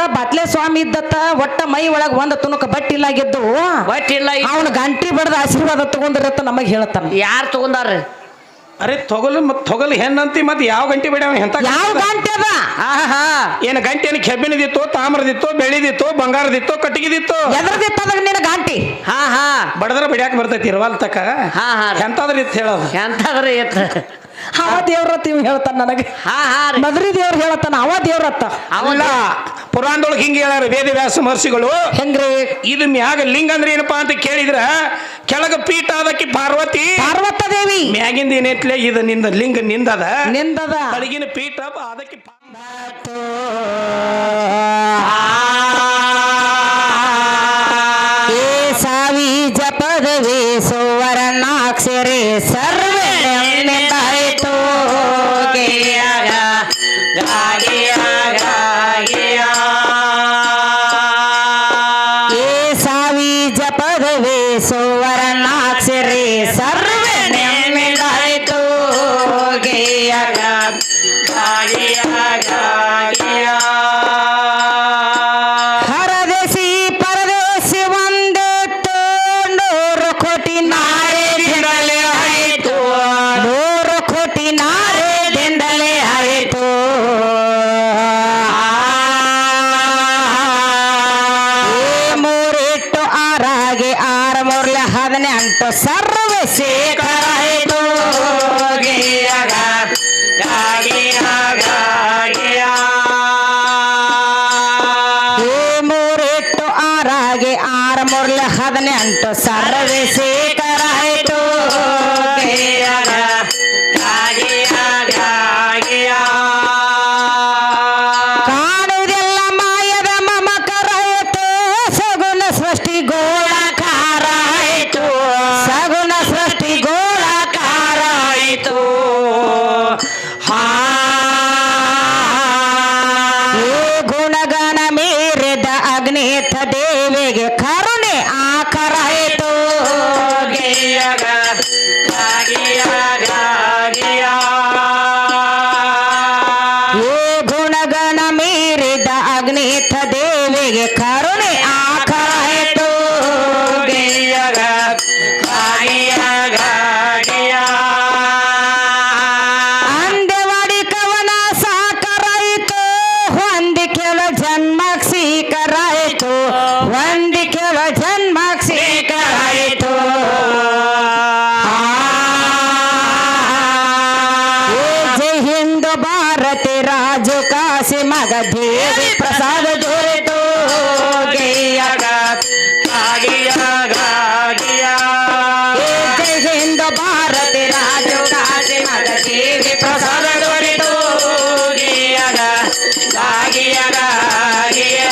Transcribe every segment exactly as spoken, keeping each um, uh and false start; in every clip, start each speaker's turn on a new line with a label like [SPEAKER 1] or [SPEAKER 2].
[SPEAKER 1] ಬಾಟ್ಲೆ ಸ್ವಾಮಿ ಇದ್ದತ್ತ ಒಟ್ಟ ಮೈ ಒಳಗ ಒಂದ್ ತುಣುಕ ಬಟ್ಟಿಲ್ಲಾಗಿದ್ದು
[SPEAKER 2] ಬಟ್ಟಿಲ್ಲ
[SPEAKER 1] ಅವನು ಗಂಟಿ ಬಡ್ದ ಆಶೀರ್ವಾದ ತಗೊಂಡಿರತ್ತ ನಮಗ್ ಹೇಳ್ತಾನ.
[SPEAKER 2] ಯಾರು ತಗೊಂಡಾರ?
[SPEAKER 3] ಅರೆ ತೊಗಲು ಮತ್ ತೊಗಲು ಹೆಣ್ಣಂತಿ ಮತ್ ಯಾವ ಗಂಟೆ ಬೇಡ ಎಂತ
[SPEAKER 1] ಯಾವ ಗಂಟೆ ಅದ?
[SPEAKER 3] ಏನ ಗಂಟೆ ಏನು ಕೆಬ್ಬಿನದಿತ್ತು, ತಾಮ್ರದಿತ್ತು, ಬೆಳ್ಳಿದಿತ್ತು, ಬಂಗಾರದಿತ್ತು, ಕಟ್ಟಿಗೆದಿತ್ತು?
[SPEAKER 1] ಎದ್ರದಿತ್ತದ ನಿನ್ನ ಗಂಟಿ?
[SPEAKER 2] ಹಾ ಹಾ
[SPEAKER 3] ಬಡದ್ರ ಬಿಡ್ಯಾಕ ಬರ್ತೈತಿ ಇರವಲ್ ತಕ.
[SPEAKER 2] ಹಾ ಹಾ
[SPEAKER 3] ಎಂತಾದ್ರಿ ಇತ್ತು ಹೇಳೋದು.
[SPEAKER 2] ಎಂತಾದ್ರಿ ಎತ್ತ
[SPEAKER 1] ಅವ ದೇವ್ರತ್ತ ಇವ್ ಹೇಳ್ತಾನ ನನಗೆ.
[SPEAKER 2] ಹಾ ಹಾ ರೀ
[SPEAKER 1] ಮದ್ರಿ ದೇವ್ರ ಹೇಳ್ತಾನ, ಅವ ದೇವ್ರತ್ತ.
[SPEAKER 3] ಅವಲ್ಲ ಪುರಾಣದೊಳಗೆ ಹಿಂಗೆ ಹೇಳ್ಯಾರ ವೇದವ್ಯಾಸ ಮಹರ್ಷಿಗಳು.
[SPEAKER 1] ಹೆಂಗ್ರಿ?
[SPEAKER 3] ಇದು ಮ್ಯಾಗ ಲಿಂಗ ಅಂದ್ರೆ ಏನಪ್ಪಾ ಅಂತ ಕೇಳಿದ್ರ ಕೆಳಗ ಪೀಠ ಅದಕ್ಕೆ ಪಾರ್ವತಿ
[SPEAKER 1] ಪಾರ್ವತ ದೇವಿ,
[SPEAKER 3] ಮ್ಯಾಗಿಂದ ಏನೈತ್ಲೆ ಇದು ನಿಂದ ಲಿಂಗ ನಿಂದದ,
[SPEAKER 1] ನಿಂದದ
[SPEAKER 3] ಕೆಳಗಿನ ಪೀಠ ಅದಕ್ಕೆ
[SPEAKER 1] ಏ ಸಾವಿ ಜಪದವೇ ಸುವರ್ಣಾಕ್ಷರೇ ಸರ್ವೇ ನಿಂದಾಯಿತು ಗೆಯಾಗ ಗಾಗಿಯಾಗ ಗಾಗಿಯಾ. ಏ ಸಾವಿ ಜಪದವೇ ಸುವರ್ಣಾಕ್ಷರೇ ಸರ್ವೇ ನಿಂದಾಯಿತು ಗೆಯಾಗ ಗಾಗಿಯಾಗ ಗಾಗಿಯಾ. ಹರದೇಶಿ ಪರದೇಶಿ ಒಂದಿತ್ತು ನೂರು ಕೋಟಿ ನಾರಿದಿಂದಲೇ ಆಯಿತು, ನೂರು ಕೋಟಿ ನಾರಿದಿಂದಲೇ ಆಯಿತು. ಏ ಮೂರಿಟ್ಟು ಆರಾಗಿ ಆರು ಮೂರ್ಲೆ ಹದಿನೆಂಟು ಸರ್ವೇ ಶೇಖರ ಆಯಿತು ಗೆಯಾಗ ಗಾಗಿಯಾಗ ಗಾಗಿಯಾ. ಏ ಮೂರಿಟ್ಟು ಆರಾಗಿ ಆರು ಮೂರ್ಲೆ ಹದಿನೆಂಟು ಸರ್ವೇ ಶೇಖರ ಆಯಿತು ಗೆಯಾಗ ಗಾಗಿಯಾಗ ಗಾಗಿಯಾ. ಕಾಣುವುದೆಲ್ಲ ಮಾಯದ ಮಮಕರ ಆಯಿತು, ಸಗುಣ ಸೃಷ್ಟಿ ಗೋಳಕಾರ ಆಯಿತು, ಸಗುಣ ಸೃಷ್ಟಿ ಗೋಳಕಾರ ಆಯಿತು. ಹಾ ಏ ಗುಣಗಣ ಮೀರಿದ ಅಗ್ನಿಥ ದೇವಿಗೆ ಕರುಣೆ ಆಕರ ಆಯಿತು ಗೆಯಾಗ ಗಾಗಿಯಾಗ ಗಾಗಿಯಾ. ಏ ಗುಣಗಣ ಮೀರಿದ ಅಗ್ನಿಥ ದೇವಿಗೆ ಕರುಣೆ ಆಕರ ಆಯಿತು ಗೆಯಾಗ ಗಾಗಿಯಾಗ ಗಾಗಿಯಾ. ಅಂದೆವಾಡಿ ಕವನ ಸಾಕರಾಯಿತು, ಹೊಂದಿಕೆವ ಜನ್ಮಕ್ ಸೀಕರಾಯಿತು, ಹೊಂದಿಕೆವ ಜನ್ಮಕ್ ಸೀಕರಾಯಿತು. ಏ ಜೈ ಹಿಂದ್ ಭಾರತಿ ರಾಜು ಕಾಶಿ ಮಗ ದೇವಿ ಪ್ರಸಾದ ದೊರೆತು ಗೆಯಾಗ ಗಾಗಿಯಾಗ ಗಾಗಿಯಾ. ಏ ಜೈ ಹಿಂದ್ ಭಾರತಿ ರಾಜು ಕಾಶಿ ಮಗ ದೇವಿ ಪ್ರಸಾದ ದೊರೆತು ಗೆಯಾಗ ಗಾಗಿಯಾಗ ಗಾಗಿಯಾ.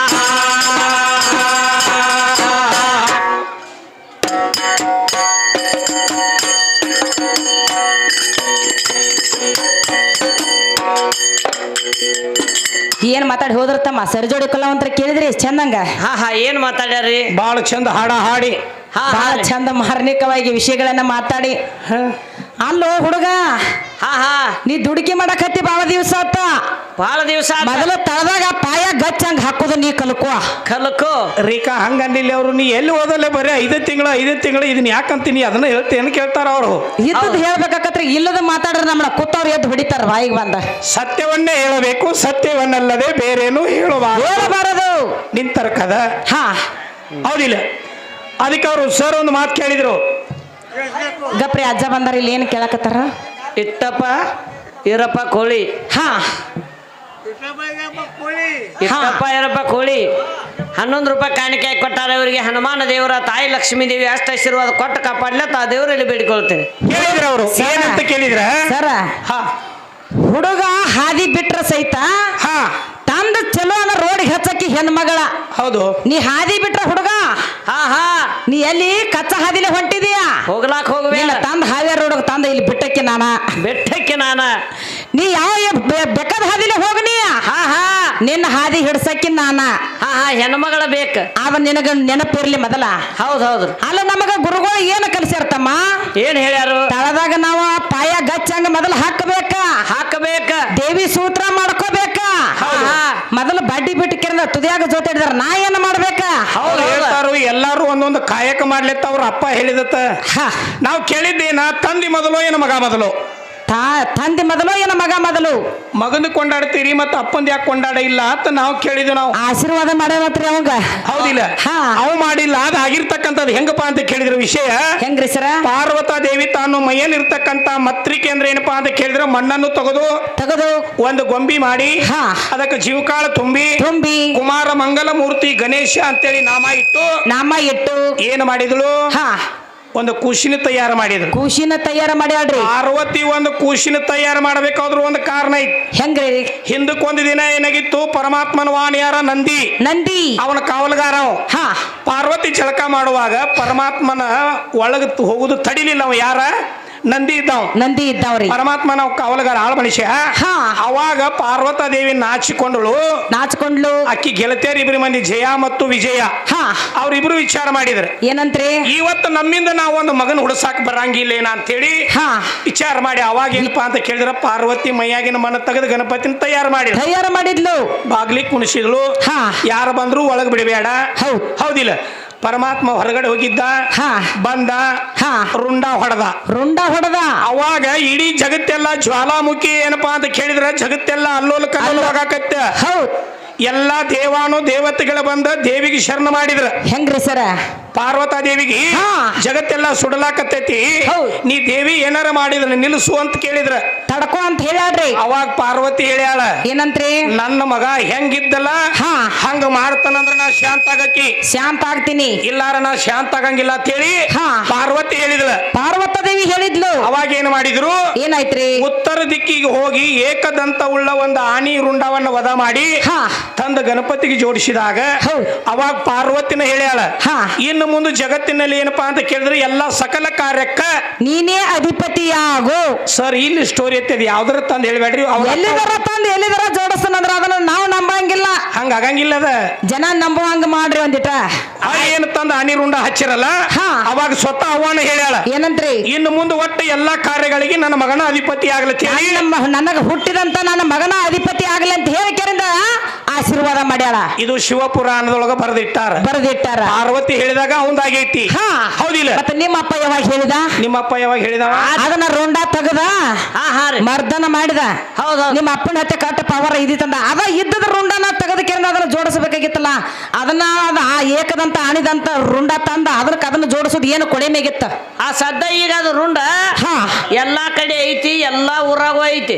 [SPEAKER 1] ಏನ್ ಮಾತಾಡಿ ಹೋದ್ರ ತಮ್ಮ ಸರಿ ಜೋಡಿ ಕಲಾವಂತರ ಕೇಳಿದ್ರಿ ಚಂದಂಗ?
[SPEAKER 2] ಹಾ ಹಾ ಏನ್ ಮಾತಾಡ್ಯಾರಿ?
[SPEAKER 3] ಬಾಳ ಚಂದ ಹಾಡ ಹಾಡಿ
[SPEAKER 2] ಹಾ
[SPEAKER 1] ಬಹಳ ಚಂದ ಮಾರ್ಮಿಕವಾಗಿ ವಿಷಯಗಳನ್ನ ಮಾತಾಡಿ. ಅಲ್ಲೋ ಹುಡುಗ,
[SPEAKER 2] ಹಾ ಹಾ
[SPEAKER 1] ನೀ ದುಡುಕಿ ಮಾಡಕತ್ತಿ ಬಾಳ ದಿವಸ ಆತ.
[SPEAKER 2] ಬಹಳ ದಿವಸ
[SPEAKER 1] ಮೊದಲು ತಳದಾಗ ಪಾಯ ಗಚ್ಚಂಗ್ ಹಾಕೋದು ನೀ ಕಲ್ಕೋ.
[SPEAKER 2] ಕಲ್ಕೋ
[SPEAKER 3] ರೀಕಾ ಹಂಗಂದಿಲ್ಲ ಅವರು. ನೀ ಎಲ್ಲಿ ಓದಲ್ಲ ಬರೀ ಐದೇ ತಿಂಗಳು ಐದೇ ತಿಂಗಳು ಇದನ್ನ ಯಾಕಂತೀನಿ ಅದನ್ನ ಹೇಳ್ತೇನು ಕೇಳ್ತಾರ ಅವರು.
[SPEAKER 1] ಇದ್ದದ್ ಹೇಳ್ಬೇಕಾಕತ್ರಿ, ಇಲ್ಲದ ಮಾತಾಡ್ರೆ ನಮ್ಮನ್ನ ಕೂತವ್ರು ಎದ್ದು ಹೊಡಿತಾರ ಬಾಯಿಗೆ ಬಂದ.
[SPEAKER 3] ಸತ್ಯವನ್ನೇ ಹೇಳಬೇಕು, ಸತ್ಯವನ್ನಲ್ಲದೆ ಬೇರೇನು ಹೇಳಬಾರದು
[SPEAKER 1] ಹೇಳಬಾರದು
[SPEAKER 3] ನಿಂತರ ಕದ.
[SPEAKER 1] ಹಾ
[SPEAKER 3] ಹೌದಿಲ್ಲ? ಅದಕ್ಕೆ ಅವರು ಸರ್ ಒಂದು ಮಾತು ಕೇಳಿದ್ರು.
[SPEAKER 1] ಗಪ್ರಿ ಅಜ್ಜ ಬಂದಾರ, ಇಲ್ಲಿ ಏನ್ ಕೇಳಕತ್ತಾರ?
[SPEAKER 2] ಇಟ್ಟಪ್ಪ ಇರಪ್ಪ ಕೋಳಿ.
[SPEAKER 1] ಹಾ
[SPEAKER 2] ಇಟ್ಟಪ್ಪ ಇರಪ್ಪ ಕೋಳಿ ಹನ್ನೊಂದು ರೂಪಾಯಿ ಕಾಣಿಕೆ ಕೊಟ್ಟಾರ ಇವರಿಗೆ. ಹನುಮಾನ ದೇವರ ತಾಯಿ ಲಕ್ಷ್ಮೀ ದೇವಿ ಅಷ್ಟ ಆಶೀರ್ವಾದ ಕೊಟ್ಟು ಕಾಪಾಡ್ಲ ತಾ ದೇವರಲ್ಲಿ ಬೇಡಿಕೊಳ್ತೇನೆ.
[SPEAKER 3] ಕೇಳಿದ್ರ ಅವರು ಏನಂತ ಕೇಳಿದ್ರ?
[SPEAKER 1] ಸರ
[SPEAKER 3] ಹಾ
[SPEAKER 1] ಹುಡುಗ ಹಾದಿ ಬಿಟ್ರ ಸಹಿತ
[SPEAKER 3] ಹಾ
[SPEAKER 1] ತಂದ ಚಲೋ ಅನ್ನ ರೋಡ್ ಹಚ್ಚಕ್ಕಿ ಹೆಣ್ಮಗಳ.
[SPEAKER 3] ಹೌದು.
[SPEAKER 1] ನೀ ಹಾದಿ ಬಿಟ್ರ ಹುಡುಗ,
[SPEAKER 2] ಹಾ ಹಾ
[SPEAKER 1] ನೀ ಎಲ್ಲಿ ಕಚ್ಚ ಹಾದಿಲೆ ಹೊಂಟಿದೀಯಾ?
[SPEAKER 2] ಹೋಗ್ಲಾಕ್ ಹೋಗ್ಬೇಡ.
[SPEAKER 1] ತಂದ ಹಾದಿ ರೋಡ್ ತಂದ ಇಲ್ಲಿ ಬಿಟ್ಟಕ್ಕೆ ನಾನ
[SPEAKER 2] ಬೆಟ್ಟಕ್ಕೆ ನಾನ.
[SPEAKER 1] ನೀ ಯಾವ ಬೆಕ್ಕದ ಹಾದಿಲೆ ಹೋಗನಿ.
[SPEAKER 2] ಹಾ ಹಾ
[SPEAKER 1] ನಿನ್ನ ಹಾದಿ ಹಿಡ್ಸಕ್ಕಿ ನಾನ.
[SPEAKER 2] ಹಾ ಹಾ ಹೆಣ್ಮಗಳ ಬೇಕ.
[SPEAKER 1] ಅವ ನಿನಗ ನೆನಪಿರ್ಲಿ ಮೊದಲ.
[SPEAKER 2] ಹೌದ್ ಹೌದು.
[SPEAKER 1] ಅಲ್ಲ ನಮಗ ಗುರುಗಳು ಏನ ಕಲಿಸ್ಯಾರತಮ್ಮ?
[SPEAKER 2] ಏನ್ ಹೇಳ್ಯಾರು?
[SPEAKER 1] ತಳದಾಗ ನಾವು ಪಾಯ ಗಚ್ಚಂಗ ಮೊದಲು ಹಾಕಬೇಕ.
[SPEAKER 2] ಹಾಕಬೇಕ. ಮಾಡ್ಕೋಬೇಕ
[SPEAKER 1] ದೇವಿ ಸೂತ್ರ ಮಾಡ್ಕೋಬೇಕ
[SPEAKER 2] ಹೌದು.
[SPEAKER 1] ಮೊದಲು ಬಡ್ಡಿ ಬಿಟ್ಟು ಕೆರೆದ ತುದಿಯಾಗ ಜೊತೆ ಹಿಡಿದಾರ ನಾ ಏನ್ ಮಾಡ್ಬೇಕ
[SPEAKER 2] ಹೌದು ಹೌದು.
[SPEAKER 3] ಹೇಳ್ತಾರು ಎಲ್ಲಾರು ಒಂದೊಂದು ಕಾಯಕ ಮಾಡ್ಲಿತ್ತ ಅವ್ರ ಅಪ್ಪ ಹೇಳಿದತ್ತ
[SPEAKER 1] ಹಾ
[SPEAKER 3] ನಾವು ಕೇಳಿದ್ದೇನ ತಂದಿ ಮೊದಲು ಏನು ಮಗ ಮೊದಲು
[SPEAKER 1] ತಾ ತಂದೆ ಮೊದಲು ಏನ ಮಗ ಮೊದಲು
[SPEAKER 3] ಮಗನ ಕೊಂಡಾಡ್ತೀರಿ ಮತ್ತ ಅಪ್ಪಂದ ಯಾಕೆ ಕೊಂಡಾಡ ಇಲ್ಲ ಅಂತ ನಾವು ಕೇಳಿದ್ವಿ ನಾವು
[SPEAKER 1] ಆಶೀರ್ವಾದ ಮಾಡ್ಯಾವತ್ರಿ ಅವಂಗ
[SPEAKER 3] ಹೌದಿಲ್ಲ
[SPEAKER 1] ಹಾ.
[SPEAKER 3] ಅವ್ ಮಾಡಿಲ್ಲ ಅದ್ ಆಗಿರ್ತಕ್ಕಂಥದ್ದು ಹೆಂಗಪ್ಪ ಅಂತ ಕೇಳಿದ್ರ ವಿಷಯ
[SPEAKER 1] ಹೆಂಗ್ರಿ ಸರ
[SPEAKER 3] ಪಾರ್ವತಾ ದೇವಿ ತಾನು ಮೈಯಲ್ಲಿರ್ತಕ್ಕಂಥ ಮತ್ರಿಕೆ ಅಂದ್ರೆ ಏನಪ್ಪಾ ಅಂತ ಕೇಳಿದ್ರೆ ಮಣ್ಣನ್ನು ತೆಗೆದು
[SPEAKER 1] ತೆಗೆದು
[SPEAKER 3] ಒಂದು ಗೊಂಬಿ ಮಾಡಿ
[SPEAKER 1] ಹಾ.
[SPEAKER 3] ಅದಕ್ಕೆ ಜೀವಕಾಳ ತುಂಬಿ
[SPEAKER 1] ತುಂಬಿ
[SPEAKER 3] ಕುಮಾರ ಮಂಗಲ ಮೂರ್ತಿ ಗಣೇಶ ಅಂತೇಳಿ ನಾಮ ಇಟ್ಟು
[SPEAKER 1] ನಾಮ ಇಟ್ಟು
[SPEAKER 3] ಏನು ಮಾಡಿದಳು
[SPEAKER 1] ಹಾ
[SPEAKER 3] ಒಂದು ಕೂಸಿನ ತಯಾರು ಮಾಡಿದ್ರು
[SPEAKER 1] ಕೂಸಿನ ತಯಾರ ಮಾಡ್ಯಾಡ್ರಿ
[SPEAKER 3] ಪಾರ್ವತಿ ಒಂದು ಕೂಸಿನ ತಯಾರು ಮಾಡಬೇಕಾದ್ರೂ ಒಂದು ಕಾರಣ ಇತ್ತು
[SPEAKER 1] ಹೆಂಗ್ರಿ
[SPEAKER 3] ಹಿಂದಕ್ಕೆ ಒಂದು ದಿನ ಏನಾಗಿತ್ತು ಪರಮಾತ್ಮನ ವಾಣಿಯಾರ ನಂದಿ
[SPEAKER 1] ನಂದಿ
[SPEAKER 3] ಅವನ ಕಾವಲುಗಾರ ಅವ.
[SPEAKER 1] ಹಾ
[SPEAKER 3] ಪಾರ್ವತಿ ಜಳಕ ಮಾಡುವಾಗ ಪರಮಾತ್ಮನ ಒಳಗ ಹೋಗುದು ತಡಿಲಿಲ್ಲ ಅವ ಯಾರ ನಂದಿ ಇದ್ದಾವ
[SPEAKER 1] ನಂದಿ ಇದ್ದಾವ್ರಿ
[SPEAKER 3] ಪರಮಾತ್ಮನ ಕಾವಲುಗಾರ ಆಳ ಮನುಷ್ಯ
[SPEAKER 1] ಹಾ.
[SPEAKER 3] ಅವಾಗ ಪಾರ್ವತಾ ದೇವಿ ನಾಚಿಕೊಂಡಳು
[SPEAKER 1] ನಾಚ್ಕೊಂಡ್ಲು
[SPEAKER 3] ಅಕ್ಕಿ ಗೆಳತಿಯರ್ ಇಬ್ರು ಮಂದಿ ಜಯ ಮತ್ತು ವಿಜಯ
[SPEAKER 1] ಹಾ
[SPEAKER 3] ಅವ್ರಿಬ್ರು ವಿಚಾರ ಮಾಡಿದ್ರು
[SPEAKER 1] ಏನಂತ್ರಿ
[SPEAKER 3] ಇವತ್ತು ನಮ್ಮಿಂದ ನಾವು ಒಂದು ಮಗನ ಹುಡ್ಸಾಕ್ ಬರಂಗಿಲ್ಲ ಏನ ಅಂತೇಳಿ
[SPEAKER 1] ಹಾ
[SPEAKER 3] ವಿಚಾರ ಮಾಡಿ ಅವಾಗ ಏನಪ್ಪಾ ಅಂತ ಕೇಳಿದ್ರ ಪಾರ್ವತಿ ಮೈಯಾಗಿನ ಮನ ತೆಗೆದು ಗಣಪತಿನ ತಯಾರು ಮಾಡಿದ್ರು
[SPEAKER 1] ತಯಾರ ಮಾಡಿದ್ಲು
[SPEAKER 3] ಬಾಗ್ಲಿ ಕುಣಿಸಿದ್ಲು
[SPEAKER 1] ಹಾ.
[SPEAKER 3] ಯಾರು ಬಂದ್ರು ಒಳಗ್ ಬಿಡಬೇಡ
[SPEAKER 1] ಹೌದ್.
[SPEAKER 3] ಹೌದಿಲ್ಲ ಪರಮಾತ್ಮ ಹೊರಗಡೆ ಹೋಗಿದ್ದ
[SPEAKER 1] ಹಾ.
[SPEAKER 3] ಬಂದ
[SPEAKER 1] ಹಾ.
[SPEAKER 3] ರುಂಡ ಹೊಡೆದ
[SPEAKER 1] ರುಂಡ ಹೊಡೆದ
[SPEAKER 3] ಅವಾಗ ಇಡೀ ಜಗತ್ತೆಲ್ಲ ಜ್ವಾಲಾಮುಖಿ ಏನಪ್ಪಾ ಅಂತ ಕೇಳಿದ್ರೆ ಜಗತ್ತೆಲ್ಲ ಅಲ್ಲೋಲ ಕಲ್ಲೋಲಾಗತ್ತ
[SPEAKER 1] ಹೌದ್
[SPEAKER 3] ಎಲ್ಲಾ ದೇವಾನು ದೇವತೆಗಳ ಬಂದ ದೇವಿಗೆ ಶರಣ ಮಾಡಿದ್ರ
[SPEAKER 1] ಹೆಂಗ್ರಿ ಸರ
[SPEAKER 3] ಪಾರ್ವತಾ ದೇವಿಗೆ
[SPEAKER 1] ಹಾ.
[SPEAKER 3] ಜಗತ್ತೆಲ್ಲ ಸುಡಲಾಕತ್ತೈತಿ
[SPEAKER 1] ಹೌದ್.
[SPEAKER 3] ನೀ ದೇವಿ ಏನಾರ ಮಾಡಿದ್ರ ನಿಲ್ಲಿಸು ಅಂತ ಕೇಳಿದ್ರ
[SPEAKER 1] ತಡ್ಕೋ ಅಂತ ಹೇಳ್ಯಾಡ್ರಿ
[SPEAKER 3] ಅವಾಗ ಪಾರ್ವತಿ ಹೇಳ್ಯಾಳ
[SPEAKER 1] ಏನಂತ್ರಿ
[SPEAKER 3] ನನ್ನ ಮಗ ಹೆಂಗಿದ್ದಲ್ಲ
[SPEAKER 1] ಹಾ.
[SPEAKER 3] ಹಂಗ ಮಾಡ್ತಾನಂದ್ರ ನಾ ಶಾಂತ ಆಗಕ್ಕಿ
[SPEAKER 1] ಶಾಂತ ಆಗ್ತೀನಿ
[SPEAKER 3] ಇಲ್ಲಾರ ನಾ ಶಾಂತ ಆಗಂಗಿಲ್ಲ ಅಂತ ಹೇಳಿ
[SPEAKER 1] ಹಾ.
[SPEAKER 3] ಪಾರ್ವತಿ ಹೇಳಿದ್ಳ
[SPEAKER 1] ಪಾರ್ವತ ದೇವಿ ಹೇಳಿದ್ಲು
[SPEAKER 3] ಅವಾಗ ಏನ್ ಮಾಡಿದ್ರು
[SPEAKER 1] ಏನಾಯ್ತ್ರಿ
[SPEAKER 3] ಉತ್ತರ ದಿಕ್ಕಿಗೆ ಹೋಗಿ ಏಕದಂತ ಉಳ್ಳ ಒಂದು ಆನಿ ರುಂಡವನ್ನ ವಧ ಮಾಡಿ
[SPEAKER 1] ಹಾ
[SPEAKER 3] ತಂದ ಗಣಪತಿಗೆ ಜೋಡಿಸಿದಾಗ
[SPEAKER 1] ಹೌದ್.
[SPEAKER 3] ಅವಾಗ ಪಾರ್ವತಿನ ಹೇಳ್ಯಾಳ
[SPEAKER 1] ಹಾ.
[SPEAKER 3] ಇನ್ನು ಮುಂದೆ ಜಗತ್ತಿನಲ್ಲಿ ಏನಪ್ಪಾ ಅಂತ ಕೇಳಿದ್ರೆ ಎಲ್ಲಾ ಸಕಲ ಕಾರ್ಯಕ್ಕ
[SPEAKER 1] ನೀನೇ ಅಧಿಪತಿಯಾಗು
[SPEAKER 3] ಸರ್ ಇಲ್ಲಿ ಸ್ಟೋರಿ ಎತ್ತಿದ್ ಯಾವ್ದಾರ ತಂದ್ ಹೇಳ್ಬೇಡ್ರಿ ಅವ್ರ
[SPEAKER 1] ಎಲ್ಲಿದರ ತಂದು ಎಲ್ಲಿದರ ಜೋಡಿಸ್ತಾನಂದ್ರ ಅದನ್ನ ನಾವು ನಂಬಂಗಿಲ್ಲ
[SPEAKER 3] ಹಂಗ ಆಗಂಗಿಲ್ಲ ಅದ
[SPEAKER 1] ಜನ ನಂಬುವಂಗ ಮಾಡ್ರಿ ಒಂದಿಟ
[SPEAKER 3] ಆ ಏನು ತಂದ ಆನಿ ರುಂಡ ಹಚ್ಚಿರಲ್ಲ
[SPEAKER 1] ಹಾ.
[SPEAKER 3] ಅವಾಗ ಸ್ವತಃ ಅವನ ಹೇಳ್ಯಾಳ
[SPEAKER 1] ಏನಂತ್ರಿ
[SPEAKER 3] ಇನ್ನು ಮುಂದೆ ಒಟ್ಟು ಎಲ್ಲಾ ಕಾರ್ಯಗಳಿಗೆ ನನ್ನ ಮಗನ ಅಧಿಪತಿ ಆಗ್ಲತ್ತಿ ಹೇಳಿ
[SPEAKER 1] ನಮ್ಮ ನನಗ ಹುಟ್ಟಿದಂತ ನನ್ನ ಮಗನ ಅಧಿಪತಿ ಆಗ್ಲಿ ಅಂತ ಹೇಳಿ ಕೆರಿಂದ ಆಶೀರ್ವಾದ ಮಾಡ್ಯಾಳ
[SPEAKER 3] ಇದು ಶಿವಪುರಾಣದೊಳಗ ಬರೆದಿಟ್ಟಾರ
[SPEAKER 1] ಬರೆದಿಟ್ಟಾರ
[SPEAKER 3] ಪಾರ್ವತಿ ಹೇಳಿದಾಗ ಅವಂದಾಗೈತಿ
[SPEAKER 1] ಹಾ
[SPEAKER 3] ಹೌದಿಲ್ಲ
[SPEAKER 1] ಮತ್ತೆ ನಿಮ್ಮ ಅಪ್ಪ ಯಾವಾಗ ಹೇಳಿದ
[SPEAKER 3] ನಿಮ್ಮಪ್ಪ ಯಾವಾಗ ಹೇಳಿದವ
[SPEAKER 1] ಅದನ್ನ ರುಂಡ ತೆಗದ
[SPEAKER 2] ಹಾ ಹಾ ರೀ
[SPEAKER 1] ಮರ್ದನ ಮಾಡಿದ
[SPEAKER 2] ಹೌದು
[SPEAKER 1] ನಿಮ್ಮ ಅಪ್ಪನ ಹತ್ತೆ ಕಟ್ಟ ಪವರ್ ಇದಿತ್ತಂದ ಅದ ಇದ್ದದ ರುಂಡನ ತೆಗೆದ ಕೆರಿಂದ ಅದನ್ನ ಜೋಡಿಸಬೇಕಾಗಿತ್ತಲ್ಲ ಅದನ್ನ ಅದ ಆ ಏಕದಂತ ಆಣಿದಂತ ರುಂಡ ತಂದ ಅದಕ್ಕೆ ಅದನ್ನ ಜೋಡಿಸೋದು ಏನು ಕೊಳೆ ಮೇಗಿತ್ತ
[SPEAKER 2] ಆ ಸದ್ದ ಈಗ ಅದು ರುಂಡ
[SPEAKER 1] ಹಾ
[SPEAKER 2] ಎಲ್ಲಾ ಕಡೆ ಐತಿ ಎಲ್ಲಾ ಊರಾಗೂ ಐತಿ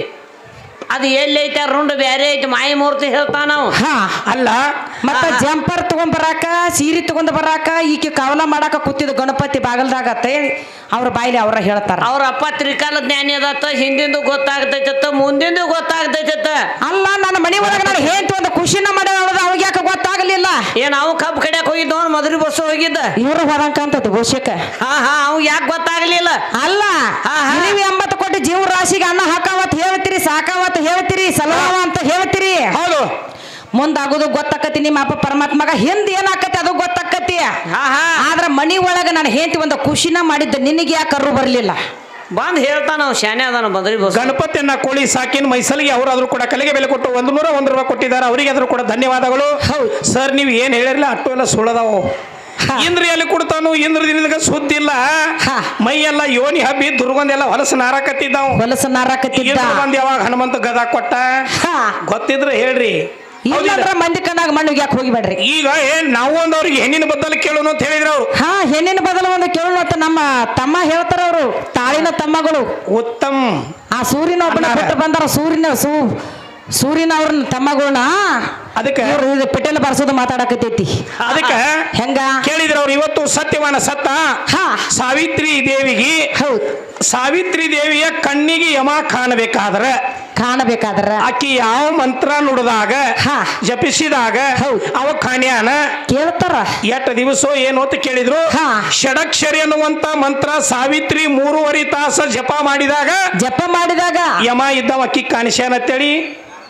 [SPEAKER 2] ಅದು ಎಲ್ಲಿ ಐತಿ ಆ ರುಂಡ ಬ್ಯಾರೆ ಐತಿ ಮಾಯಿ ಮೂರ್ತಿ ಹೇಳ್ತಾನ ನಾವು
[SPEAKER 1] ಹಾ
[SPEAKER 3] ಅಲ್ಲ
[SPEAKER 1] ಮತ್ತ
[SPEAKER 2] ಹಾ, ಹಾ.
[SPEAKER 1] ಜಂಪರ್ ತಗೊಂಡ್ ಬರಾಕ ಸೀರೆ ತಗೊಂಡ್ ಬರಾಕ ಈಕೆ ಕಾವಲ ಮಾಡಾಕ ಕೂತಿದ್ ಗಣಪತಿ ಬಾಗಲ್ದಾಗ ಅಂತ ಹೇಳಿ ಅವ್ರ ಬಾಯಿಲಿ ಅವ್ರ ಹೇಳ್ತಾರ
[SPEAKER 2] ಅವ್ರ ಅಪ್ಪ ತ್ರಿಕಾಲ ಜ್ಞಾನಿ ಅದತ್ತ ಹಿಂದಿಂದು ಗೊತ್ತಾಗ್ತೈತತ್ತ ಮುಂದಿಂದು ಗೊತ್ತಾಗ್ತೈತತ್ತ
[SPEAKER 1] ಅಲ್ಲ ನನ್ನ ಮನಿ ಒಳಗ ನಾನು ಹೇಳ್ತು ಒಂದು ಖುಷಿನ ಮಾಡ್ಯಾಳ ಅವಾಗ ಯಾಕೆ ಗೊತ್ತಾಗಲಿಲ್ಲ
[SPEAKER 2] ಏನ್ ಅವ್ ಕಬ್ಬು ಕಡಿಯಾಕ ಹೋಗಿದ್ದ ಅವ್ನು ಮದುವೆ ಬಸ್ ಹೋಗಿದ್ದ
[SPEAKER 1] ಇವ್ರು ಹೋದಂಕ ಅಂತದ್ದು ಬಹುಶಃ
[SPEAKER 2] ಹಾ ಹಾ ಅವ್ ಯಾಕೆ ಗೊತ್ತಾಗ್ಲಿಲ್ಲ
[SPEAKER 1] ಅಲ್ಲ
[SPEAKER 2] ಹಾ, ಹಾ.
[SPEAKER 1] ನೀವು ಎಂಬತ್ತು ಕೋಟಿ ಜೀವ ರಾಶಿಗೆ ಅನ್ನ ಹಾಕಾವತ್ ಹೇಳ್ತೀರಿ ಸಾಕಾವತ್ ಹೇಳ್ತೀರಿ ಸಲವಾವ ಅಂತ ಹೇಳ್ತೀರಿ
[SPEAKER 3] ಹೌದು
[SPEAKER 1] ಮುಂದಾಗೋದು ಗೊತ್ತಾಕತಿ ನಿಮ್ಮ ಅಪ್ಪ ಪರಮಾತ್ಮಗ ಹಿಂದ್ ಏನಾಕತಿ ಅದು ಗೊತ್ತಾಕತಿ
[SPEAKER 2] ಹಾ ಹಾ
[SPEAKER 1] ಆದ್ರ ಮನಿ ಒಳಗ ನಾನು ಹೇಳ್ತಿ ಒಂದು ಖುಷಿನ ಮಾಡಿದ್ದ ನಿನಗೆ ಯಾಕೆ ಕರು ಬರ್ಲಿಲ್ಲ
[SPEAKER 2] ಬಂದ್ ಹೇಳ್ತಾನ ಅವ್ ಶಾನೆ ಅದಾನ ಮದುವೆ ಬಸ್
[SPEAKER 3] ಗಣಪತಿಯನ್ನ ಕೋಳಿ ಸಾಕಿನ ಮೈಸಲಿಗೆ ಅವರಾದ್ರೂ ಕೂಡ ಕಲೆಗೆ ಬೆಲೆ ಕೊಟ್ಟು ಒಂದು ನೂರ ಒಂದು ರೂಪಾಯಿ ಕೊಟ್ಟಿದ್ದಾರೆ ಅವರಿಗೆ ಆದ್ರೂ ಕೂಡ ಧನ್ಯವಾದಗಳು
[SPEAKER 1] ಹೌದು.
[SPEAKER 3] ಸರ್ ನೀವು ಏನ್ ಹೇಳಿರಲಿಲ್ಲ ಅಟ್ಟು ಎಲ್ಲ ಸುಳ್ಳದಾವು
[SPEAKER 1] ಹಾ.
[SPEAKER 3] ಇಂದ್ರ ಎಲ್ಲಿ ಕೊಡ್ತಾನು ಇಂದ್ರ ದಿನದಾಗ ಸುದ್ದಿ ಇಲ್ಲ
[SPEAKER 1] ಹಾ.
[SPEAKER 3] ಮೈ ಎಲ್ಲ ಯೋನಿ ಹಬ್ಬಿ ದುರ್ಗಂಧೆಲ್ಲ ಹೊಲಸು ನಾರಾಕತ್ತಿದ್ದಾವ್
[SPEAKER 1] ಹೊಲಸ ನಾರಾಕತ್ತಿದ್ದ
[SPEAKER 3] ಇಂದ್ರ ಬಂದ್ ಯಾವಾಗ ಹನುಮಂತ ಗದಾ ಕೊಟ್ಟ
[SPEAKER 1] ಹಾ
[SPEAKER 3] ಗೊತ್ತಿದ್ರೆ ಹೇಳ್ರಿ ಹೌದಿಲ್ಲ?
[SPEAKER 1] ಇಲ್ಲಂದ್ರ ಮಂದಿ ಕಣ್ಣಾಗ ಮಣ್ಣಿಗೆ ಯಾಕೆ ಹೋಗಿಬೇಡ್ರಿ
[SPEAKER 3] ಈಗ ಏನ್ ನಾವು ಒಂದು ಅವ್ರಿಗೆ ಹೆಣ್ಣಿನ ಬದ್ದಲು ಕೇಳೋಣ ಅಂತ ಹೇಳಿದ್ರು ಅವ್ರು
[SPEAKER 1] ಹಾ ಹೆಣ್ಣಿನ ಬದಲು ಒಂದು ಕೇಳೋಣ ಅಂತ ನಮ್ಮ ತಮ್ಮ ಹೇಳ್ತಾರ ಅವರು ತಾಳಿನ ತಮ್ಮಗಳು
[SPEAKER 3] ಉತ್ತಮ್
[SPEAKER 1] ಆ ಸೂರ್ಯನ ಒಬ್ಬನ
[SPEAKER 3] ಅಣ್ಣಾರ.
[SPEAKER 1] ಬಿಟ್ಟು ಬಂದಾರ ಸೂರ್ಯನ ಸೂ ಸೂರ್ಯನ ಅವ್ರನ್ನ ತಮ್ಮಗಳನ್ನ
[SPEAKER 3] ಅದಕ್ಕೆ
[SPEAKER 1] ಇವ್ರು ಇದು ಪೆಟ್ರೋಲ್ ಬರ್ಸೋದು ಮಾತಾಡಕತ್ತೈತಿ
[SPEAKER 3] ಅದಕ್ಕೆ
[SPEAKER 1] ಹೆಂಗ
[SPEAKER 3] ಕೇಳಿದ್ರು ಅವ್ರು ಇವತ್ತು ಸತ್ಯವಾನ ಸತ್ತ
[SPEAKER 1] ಹಾ
[SPEAKER 3] ಸಾವಿತ್ರಿ ದೇವಿಗೆ
[SPEAKER 1] ಹೌದ್
[SPEAKER 3] ಸಾವಿತ್ರಿ ದೇವಿಯ ಕಣ್ಣಿಗೆ ಯಮ ಕಾಣಬೇಕಾದ್ರೆ
[SPEAKER 1] ಕಾಣಬೇಕಾದ್ರ
[SPEAKER 3] ಆಕಿ ಯಾವ ಮಂತ್ರ ನುಡಿದಾಗ
[SPEAKER 1] ಹಾ.
[SPEAKER 3] ಜಪಿಸಿದಾಗ
[SPEAKER 1] ಹೌದ್.
[SPEAKER 3] ಅವ ಕಾಣ್ಯಾನ
[SPEAKER 1] ಕೇಳ್ತಾರ
[SPEAKER 3] ಎಷ್ಟ ದಿವಸ ಏನು ಅಂತ ಕೇಳಿದ್ರು
[SPEAKER 1] ಹಾ.
[SPEAKER 3] ಷಡಕ್ಷರಿ ಅನ್ನುವಂತ ಮಂತ್ರ ಸಾವಿತ್ರಿ ಮೂರುವರೆ ತಾಸ ಜಪ ಮಾಡಿದಾಗ
[SPEAKER 1] ಜಪ ಮಾಡಿದಾಗ
[SPEAKER 3] ಯಮ ಇದ್ದವ ಅಕ್ಕಿ ಕಾಣಿಸ್ಯಾನ ಅಂತೇಳಿ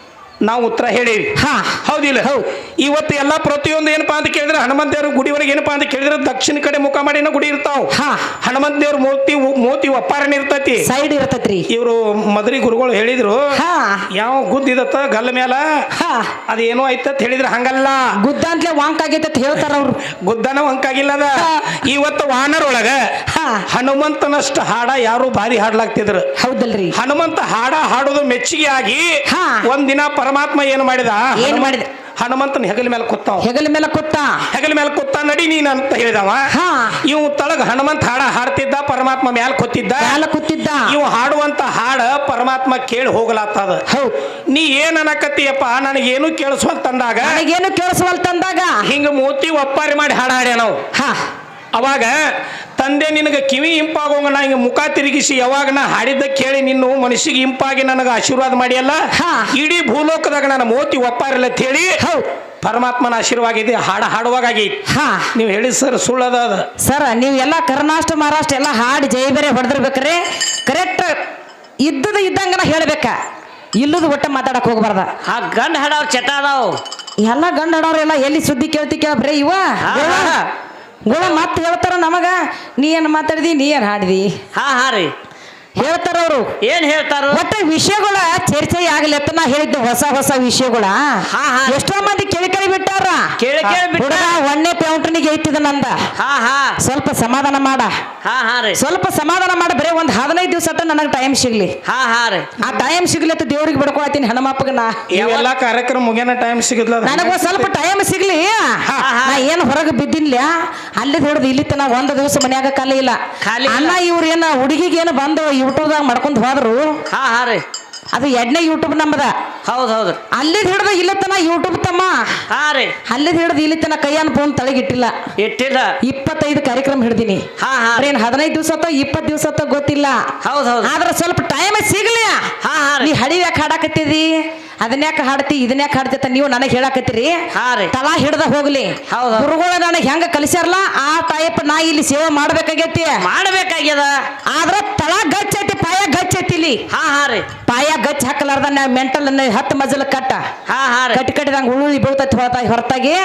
[SPEAKER 3] ನಾವು ಉತ್ತರ ಹೇಳೇವಿ
[SPEAKER 1] ಹಾ
[SPEAKER 3] ಹೌದಿಲ್ಲ
[SPEAKER 1] ಹೌದ್.
[SPEAKER 3] ಇವತ್ತು ಎಲ್ಲ ಪ್ರತಿಯೊಂದು ಏನಪ್ಪಾ ಅಂತ ಕೇಳಿದ್ರೆ ಹನುಮಂತ ದೇವ್ರ ಗುಡಿವರೆಗೆ ಏನಪ್ಪಾ ಅಂತ ಕೇಳಿದ್ರೆ ದಕ್ಷಿಣ ಕಡೆ ಮುಖ ಮಾಡಿನ ಗುಡಿ ಇರ್ತಾವ
[SPEAKER 1] ಹಾ.
[SPEAKER 3] ಹನುಮಂತ ದೇವ್ರ ಮೂರ್ತಿ ಮೂರ್ತಿ ಒಪ್ಪಾರನ ಇರ್ತೈತಿ
[SPEAKER 1] ಸೈಡ್ ಇರ್ತೈತ್ರಿ.
[SPEAKER 3] ಇವರು ಮದ್ರಿ ಗುರುಗಳು ಹೇಳಿದ್ರು
[SPEAKER 1] ಹಾ
[SPEAKER 3] ಯಾವ ಗುದ್ದಿದತ್ತ ಗಲ್ಲ ಮೇಲ
[SPEAKER 1] ಹಾ
[SPEAKER 3] ಅದೇನೋ ಐತತ್ ಹೇಳಿದ್ರ ಹಂಗಲ್ಲ
[SPEAKER 1] ಗುದ್ದ ಅಂತಲೇ ವಾಂಕ್ ಆಗೈತೆ ಅಂತ ಹೇಳ್ತಾರ ಅವ್ರು.
[SPEAKER 3] ಗುದ್ದನ ಒಂಕಾಗಿಲ್ಲ ಅದ
[SPEAKER 1] ಹಾ.
[SPEAKER 3] ಇವತ್ತು ವಾನರೊಳಗ
[SPEAKER 1] ಹಾ
[SPEAKER 3] ಹನುಮಂತನಷ್ಟ ಹಾಡ ಯಾರು ಭಾರಿ ಹಾಡ್ಲಾಗ್ತಿದ್ರು
[SPEAKER 1] ಹೌದಲ್ರಿ.
[SPEAKER 3] ಹನುಮಂತ ಹಾಡ ಹಾಡೋದು ಮೆಚ್ಚುಗೆ ಆಗಿ
[SPEAKER 1] ಹಾ.
[SPEAKER 3] ಒಂದಿನ ಪರಮಾತ್ಮ ಏನು ಮಾಡಿದ
[SPEAKER 1] ಏನ್
[SPEAKER 3] ಹನುಮ-
[SPEAKER 1] ಮಾಡಿದ?
[SPEAKER 3] ಹನುಮಂತನ ಹೆಗಲ ಮೇಲೆ ಕೂತಾವ
[SPEAKER 1] ಹೆಗಲ ಮೇಲೆ ಕೂತ.
[SPEAKER 3] ಹೆಗಲ ಮೇಲೆ ಕೂತ ನಡಿ ನೀನ್ ಅಂತ ಹೇಳಿದವ
[SPEAKER 1] ಹಾ
[SPEAKER 3] ಇವ್ ತಳಗ ಹನುಮಂತ ಹಾಡ ಹಾಡ್ತಿದ್ದ ಪರಮಾತ್ಮ ಮ್ಯಾಲ ಕೂತಿದ್ದ
[SPEAKER 1] ಮ್ಯಾಲ ಕೂತಿದ್ದ.
[SPEAKER 3] ಇವ್ ಹಾಡುವಂತ ಹಾಡ ಪರಮಾತ್ಮ ಕೇಳಿ ಹೋಗ್ಲಾತದ
[SPEAKER 1] ಹೌದ್.
[SPEAKER 3] ನೀ ಏನ್ ಅನ್ನಕತ್ತೀಯಪ್ಪ ನನಗೇನು ಕೇಳಿಸ್ವಂತಂದಾಗ
[SPEAKER 1] ನನಗೇನು ಕೇಳಿಸವಲ್ತಂದಾಗ
[SPEAKER 3] ಹಿಂಗ ಮೂತಿ ಒಪ್ಪಾರಿ ಮಾಡಿ ಹಾಡ ಹಾಡ್ಯ ನಾವು
[SPEAKER 1] ಹಾ
[SPEAKER 3] ಅವಾಗ ತಂದೆ ನಿನಗೆ ಕಿವಿ ಇಂಪಾಗೋಂಗ ನಾ ಹಿಂಗ ಮುಖ ತಿರುಗಿಸಿ ಯಾವಾಗ ನಾ ಹಾಡಿದ್ದ ಕೇಳಿ ನಿನ್ನು ಮನುಷ್ಯಗೆ ಇಂಪಾಗಿ ನನಗೆ ಆಶೀರ್ವಾದ ಮಾಡಿಯಲ್ಲ
[SPEAKER 1] ಹಾ.
[SPEAKER 3] ಇಡೀ ಭೂಲೋಕದಾಗ ನನ್ನ ಮೋತಿ ಒಪ್ಪಾರಿಲ್ಲ ಅಂತ ಹೇಳಿ
[SPEAKER 1] ಹೌದ್.
[SPEAKER 3] ಪರಮಾತ್ಮನ ಆಶೀರ್ವಾದ ಇದೆ ಹಾಡ ಹಾಡುವಾಗ ಆಗೈತಿ
[SPEAKER 1] ಹಾ
[SPEAKER 3] ನೀವು ಹೇಳಿ ಸರ್ ಸುಳ್ಳದ ಅದ
[SPEAKER 1] ಸರ್ ನೀವು ಎಲ್ಲ ಕರ್ನಾಟಕ ಮಹಾರಾಷ್ಟ್ರ ಎಲ್ಲ ಹಾಡಿ ಜೈ ಬೇರೆ ಹೊಡೆದಿರ್ಬೇಕ್ರಿ ಕರೆಕ್ಟ್ ಇದ್ದದ ಇದ್ದಂಗನ ಹೇಳ್ಬೇಕ ಇಲ್ಲದ ಒಟ್ಟ ಮಾತಾಡಕ್ ಹೋಗ್ಬಾರ್ದ.
[SPEAKER 2] ಆ ಗಂಡ ಹಾಡವ್ರ ಚಟ ಅದಾವ್
[SPEAKER 1] ಎಲ್ಲ ಗಂಡ ಹಡೋರೆಲ್ಲ ಎಲ್ಲಿ ಸುದ್ದಿ ಕೇಳ್ತಿ ಕೇಳ್ಬ್ರೆ ಇವ
[SPEAKER 2] ಹಾ,
[SPEAKER 1] ಗುಳ
[SPEAKER 2] ಹಾ.
[SPEAKER 1] ಗುಳ ಮತ್ತೆ ಹೇಳ್ತಾರ ನಮಗ ನೀ ಏನ್ ಮಾತಾಡಿದಿ ನೀ ಏನ್ ಹಾಡಿದಿ
[SPEAKER 2] ಹಾ ಹಾ ರೀ
[SPEAKER 1] ಹೇಳ್ತಾರ ಅವರು.
[SPEAKER 2] ಏನ್ ಹೇಳ್ತಾರು
[SPEAKER 1] ಒಟ್ಟ ವಿಷಯಗಳ ಚರ್ಚೆ ಆಗ್ಲಿ ಅಂತ ನಾ ಹೇಳಿದ್ದು ಹೊಸ ಹೊಸ ವಿಷಯಗಳ
[SPEAKER 2] ಹಾ, ಹಾ.
[SPEAKER 1] ಎಷ್ಟೋ ಮಂದಿ ಕೇಳಿ ಕೇಳಿ ಬಿಟ್ಟಾರ.
[SPEAKER 2] ಕೇಳಿ ಕೇಳಿ ಬಿಟ್ಟ
[SPEAKER 1] ಹುಡುಗ ಒಣ್ಣೆ ಪೌಂಟ್ನಿಗೆ ಐತಿದ ನಂದ
[SPEAKER 2] ಹಾ ಹಾ
[SPEAKER 1] ಸ್ವಲ್ಪ ಸಮಾಧಾನ ಮಾಡ
[SPEAKER 2] ಹಾ ಹಾ ರೀ
[SPEAKER 1] ಸ್ವಲ್ಪ ಸಮಾಧಾನ ಮಾಡ ಬರೀ ಒಂದ್ ಹದಿನೈದು ದಿವಸ ನನಗೆ ಟೈಮ್ ಸಿಗ್ಲಿ
[SPEAKER 2] ಹಾ ಹಾ ರೀ
[SPEAKER 1] ಆ ಟೈಮ್ ಸಿಗ್ಲಿ ಅಂತ ದೇವ್ರಿಗೆ ಬಿಡ್ಕೊಳತೀನಿ ಹನುಮಪ್ಪಗ ನಾ
[SPEAKER 3] ಇವೆಲ್ಲ ಕಾರ್ಯಕ್ರಮ ಮುಗಿಯನ ಟೈಮ್ ಸಿಗಲ್ಲ
[SPEAKER 1] ನನಗ ಸ್ವಲ್ಪ ಟೈಮ್ ಸಿಗ್ಲಿ
[SPEAKER 2] ಹಾ.
[SPEAKER 1] ನಾ ಏನ್ ಹೊರಗೆ ಬಿದ್ದಿನ್ಲ ಅಲ್ಲಿ ಹಿಡಿದು ಇಲ್ಲಿ ತನ ಒಂದ್ ದಿವಸ ಮನ್ಯಾಗ ಖಾಲಿ ಇಲ್ಲ
[SPEAKER 2] ಖಾಲಿ ಇಲ್ಲ.
[SPEAKER 1] ಅನ್ನ ಇವ್ರ ಏನ ಹುಡುಗಿಗೆ ಏನು ಬಂದು ಯೂಟ್ಯೂಬ್ದಾಗ ಮಾಡ್ಕೊಂಡ್ ಹೋದ್ರು
[SPEAKER 2] ಹಾ ಹಾ ರೀ
[SPEAKER 1] ಅದು ಎಡ್ನೇ ಯೂಟ್ಯೂಬ್ ನಮ್ಮದ
[SPEAKER 2] ಹೌದ್ ಹೌದು
[SPEAKER 1] ಅಲ್ಲಿದ್ ಹಿಡ್ದು ಇಲ್ಲಿ ತನ ಯೂಟ್ಯೂಬ್ ತಮ್ಮ
[SPEAKER 2] ಹಾ ರೀ
[SPEAKER 1] ಅಲ್ಲಿದ್ ಹಿಡ್ದು ಇಲ್ಲಿ ತನ ಕೈಯನ್ ಫೋನ್ ತಳಗಿಟ್ಟಿಲ್ಲ
[SPEAKER 2] ಇಟ್ಟಿಲ್ಲ
[SPEAKER 1] ಇಪ್ಪತ್ತೈದು ಕಾರ್ಯಕ್ರಮ ಹಿಡ್ದೀನಿ
[SPEAKER 2] ಹಾ ಹಾ
[SPEAKER 1] ಏನ್ ಹದಿನೈದು ದಿವಸ ಅಥವಾ ಇಪ್ಪತ್ತು ದಿವಸ ಅಥವಾ ಗೊತ್ತಿಲ್ಲ
[SPEAKER 2] ಹೌದ್ ಹೌದು
[SPEAKER 1] ಆದ್ರೆ ಸ್ವಲ್ಪ ಟೈಮ್ ಸಿಗ್ಲಿ
[SPEAKER 2] ಹಾ ಹಾ
[SPEAKER 1] ನೀ
[SPEAKER 2] ರೀ
[SPEAKER 1] ಹಡಿ ಯಾಕೆ ಹಾಡಾಕತ್ತಿದಿ ಅದನ್ಯಾಕ ಹಾಡ್ತಿ ಇದನ್ಯಾಕ ಹಾಡ್ತಿ ನೀವು ನನಗೆ ಹೇಳಾಕತ್ತೀರಿ
[SPEAKER 2] ಹಾ ರೀ
[SPEAKER 1] ತಲಾ ಹಿಡ್ದ ಹೋಗ್ಲಿ
[SPEAKER 2] ಹೌದ್ ಹೌದ್.
[SPEAKER 1] ಗುರುಗಳ ನನಗೆ ಹೆಂಗ ಕಲಿಸ್ಯಾರಲ್ಲ ಆ ಟೈಪ್ ನಾ ಇಲ್ಲಿ ಸೇವೆ ಮಾಡ್ಬೇಕಾಗೈತಿ
[SPEAKER 2] ಮಾಡಬೇಕಾಗ್ಯದ
[SPEAKER 1] ಆದ್ರ ತಳ ಗಚ್ಚ ಐತಿ ಪಾಯ ಗಚ್ಚ ಐತಿ ಇಲ್ಲಿ
[SPEAKER 2] ಹಾ ಹಾ ರೀ
[SPEAKER 1] ಪಾಯ ಗಚ್ಚ ಹಾಕಲಾರ್ದ ನಾ ಮೆಂಟಲ್ ಹತ್ತು ಮಜಲ ಕಟ್ಟ
[SPEAKER 2] ಹಾ ಹಾ ರೀ
[SPEAKER 1] ಕಟ್ಟಿ ಕಟ್ಟಿದಂಗ ಉಳುಳಿ ಬೀಳ್ತೈತಿ ಹೊರತ ಹೊರತಾಗಿ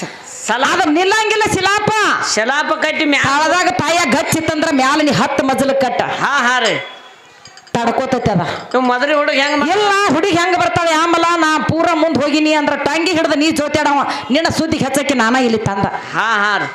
[SPEAKER 2] ಸಲಾ
[SPEAKER 1] ಅದ ನಿಲ್ಲಂಗಿಲ್ಲ ಶಿಲಾಪ
[SPEAKER 2] ಶಲಾಪ ಕಟ್ಟಿ ಮ್ಯಾ
[SPEAKER 1] ತಾಳದಾಗ ಪಾಯ ಗಚ್ಚ ಇತ್ತಂದ್ರ ಮ್ಯಾಲ ನೀ ಹತ್ತು ಮಜಲ ಕಟ್ಟ
[SPEAKER 2] ಹಾ ಹಾ ರೀ
[SPEAKER 1] ತಡ್ಕೋತೈತಿ ಅದ
[SPEAKER 2] ನೀವು ಮದ್ರಿ ಹುಡುಗ ಹೆಂಗ್ ಮಾ-
[SPEAKER 1] ಇಲ್ಲ ಹುಡುಗಿ ಹೆಂಗ ಬರ್ತಾಳೆ ಆಮಲ ನಾ ಪೂರ ಮುಂದ್ ಹೋಗಿನಿ ಅಂದ್ರ ಟಂಗಿ ಹಿಡ್ದ ನೀ ಜೋತ್ಯಾಡವ ನಿನ್ನ ಸುದ್ದಿಗೆ ಹಚ್ಚಕ್ಕೆ ನಾನ ಇಲ್ಲಿ ತಂದ
[SPEAKER 2] ಹಾ ಹಾ ರೀ